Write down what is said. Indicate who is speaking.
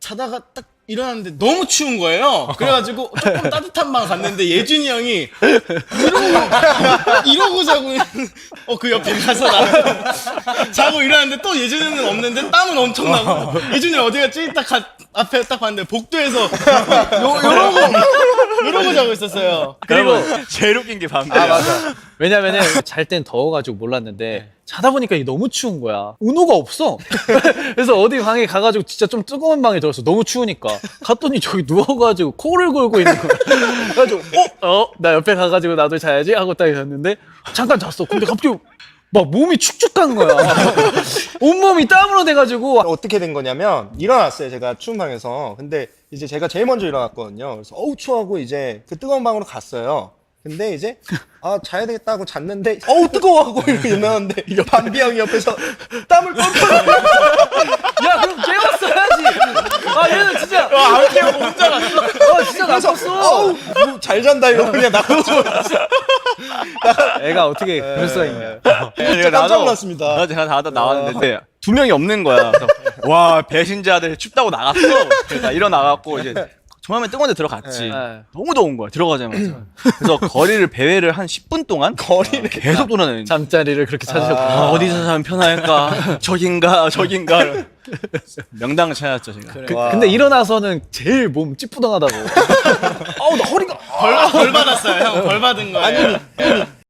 Speaker 1: 자다가 딱 일어났는데 너무 추운 거예요. 그래가지고 조금 따뜻한 방 갔는데 예준이 형이 이러고 자고 그 옆에 가서 나 자고 일어났는데 또 예준이 형은 없는데 땀은 엄청 나고 예준이 형 어디 갔지? 딱 앞에 딱 봤는데 복도에서 이러고 자고 있었어요.
Speaker 2: 그리고 제일 웃긴 게 밤새.
Speaker 3: 아 맞아. 왜냐면은 잘 땐 더워가지고 몰랐는데 자다 보니까 이게 너무 추운 거야. 은호가 없어. 그래서 어디 방에 가가지고 진짜 좀 뜨거운 방에 들었어. 너무 추우니까. 갔더니 저기 누워가지고 코를 골고 있는 거야. 그래가지고 나 옆에 가가지고 나도 자야지 하고 딱 있었는데 잠깐 잤어. 근데 갑자기 막 몸이 축축한 거야. 온몸이 땀으로 돼가지고.
Speaker 4: 어떻게 된 거냐면 일어났어요. 제가 추운 방에서. 근데 이제 제가 제일 먼저 일어났거든요. 그래서 어우 추워하고 이제 그 뜨거운 방으로 갔어요. 근데 이제 자야 되겠다 하고 잤는데 어우 뜨거워하고 이렇게 일어났는데 밤비 형이 옆에서 땀을 뻘뻘
Speaker 3: 야 그럼 깨웠어야지. 아 얘는 진짜
Speaker 1: 안 깨우고 혼자 갔어.
Speaker 3: 진짜
Speaker 4: 그래서
Speaker 3: 나빴어.
Speaker 4: 어우 잘 잔다 이러고 그냥 나가고
Speaker 3: 애가 어떻게 그럴 수가 있냐.
Speaker 4: 깜짝 놀랐습니다.
Speaker 2: 나도 제가 자다 나왔는데 두 명이 없는 거야. 그래서 와 배신자들 춥다고 나갔어. 그러니까 일어나갖고 이제 처음에 뜨거운 데 들어갔지. 너무 더운 거야 들어가자마자. 그래서 거리를 배회를 한 10분 동안 거리를 계속 돌아다니는.
Speaker 3: 잠자리를 그렇게 찾으셨구나.
Speaker 2: 어디서 자면 편할까? 저긴가? 명당을 찾았죠 제가.
Speaker 3: 근데 일어나서는 제일 몸 찌뿌둥하다고. 나 허리가.
Speaker 1: 벌 받았어요. 형 벌 받은 거예요.